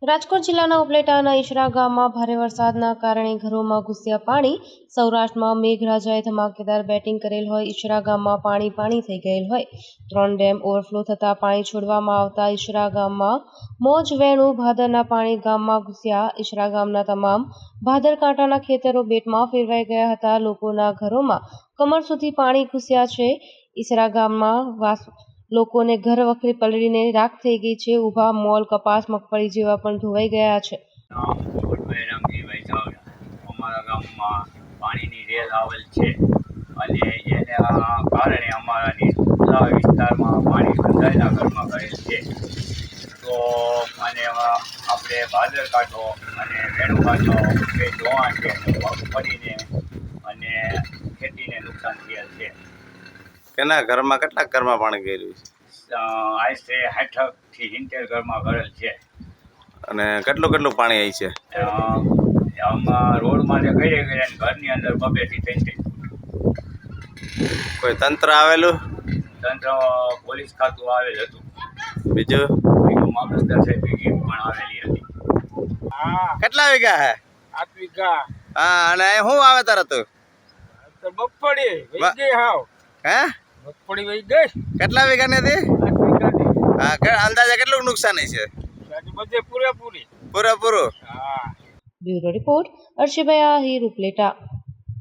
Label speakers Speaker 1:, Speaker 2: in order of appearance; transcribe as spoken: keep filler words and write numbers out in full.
Speaker 1: રાજકોટ જિલ્લાના ઉપલેટાના ઈશરા ગામમાં ભારે વરસાદના કારણે ઘરોમાં ઘૂસ્યા પાણી। સૌરાષ્ટ્રમાં મેઘરાજાએ ધમાકેદાર બેટિંગ કરેલ હોય ઈશરા ગામમાં પાણી પાણી થઈ ગયેલ હોય। ત્રણ ડેમ ઓવરફ્લો થતાં પાણી છોડવામાં આવતા ઈશરા ગામમાં મોજ વેણું ભાદરના પાણી ગામમાં ઘૂસ્યા। ઈશરા ગામના તમામ ભાદર કાંટાના ખેતરો બેટમાં ફેરવાઈ ગયા હતા। લોકોના ઘરોમાં કમર સુધી પાણી ઘૂસ્યા છે। ઈશરા ગામમાં વાસ લોકોને ઘર વખરી પલળીને રાખ થઈ ગઈ છે। ઊભા મોલ, કપાસ, મગફળી જેવા પણ ધોવાઈ ગયા છે।
Speaker 2: અમારા ગામમાં પાણીની રેલ આવેલ છે અને એના કારણે અમારા નીચલા વિસ્તારમાં પાણી બંધાયેલા ઘરમાં ગયેલ છે। તો અને આપણે ભાદર કાંઠો અને વેણુ કાંઠો બે ધોવાણ છે, મગફળીને અને ખેતીને નુકસાન થયેલ છે।
Speaker 3: કેના ઘરમાં કેટલા ઘરમાં પાણી ગયેલું છે?
Speaker 2: આશરે સાઠ થી સિત્તેર ઘરમાં ગયેલ છે।
Speaker 3: અને કેટલું કેટલું પાણી આવી છે?
Speaker 2: આમાં રોડમાં જે ગયે ગયા ઘરની અંદર બબે થી ત્રણ ત્રણ
Speaker 3: કોઈ તંત્ર આવેલું?
Speaker 2: તંત્ર પોલીસ ખાતું આવેલ હતું।
Speaker 3: બીજું
Speaker 2: બીજું મામલતદાર સાહેબની ટીમ પણ આવેલી હતી।
Speaker 3: કેટલા વીઘા હે?
Speaker 4: આઠ વીઘા।
Speaker 3: હા, અને શું વાવેતર હતું?
Speaker 4: તો મગફળી વહી ગઈ હાવ।
Speaker 3: હે
Speaker 4: મગફળી વહી ગઈ
Speaker 3: કેટલા વીઘાની હતી?
Speaker 4: આઠ વીઘાની।
Speaker 3: હા, કે અંદાજે કેટલું નુકસાની છે?
Speaker 4: બધે પૂરેપૂરી
Speaker 3: પૂરેપૂરું?
Speaker 4: હા।
Speaker 1: બ્યુરો રિપોર્ટ, અર્શિભાઈ આહિર, ઉપલેટા।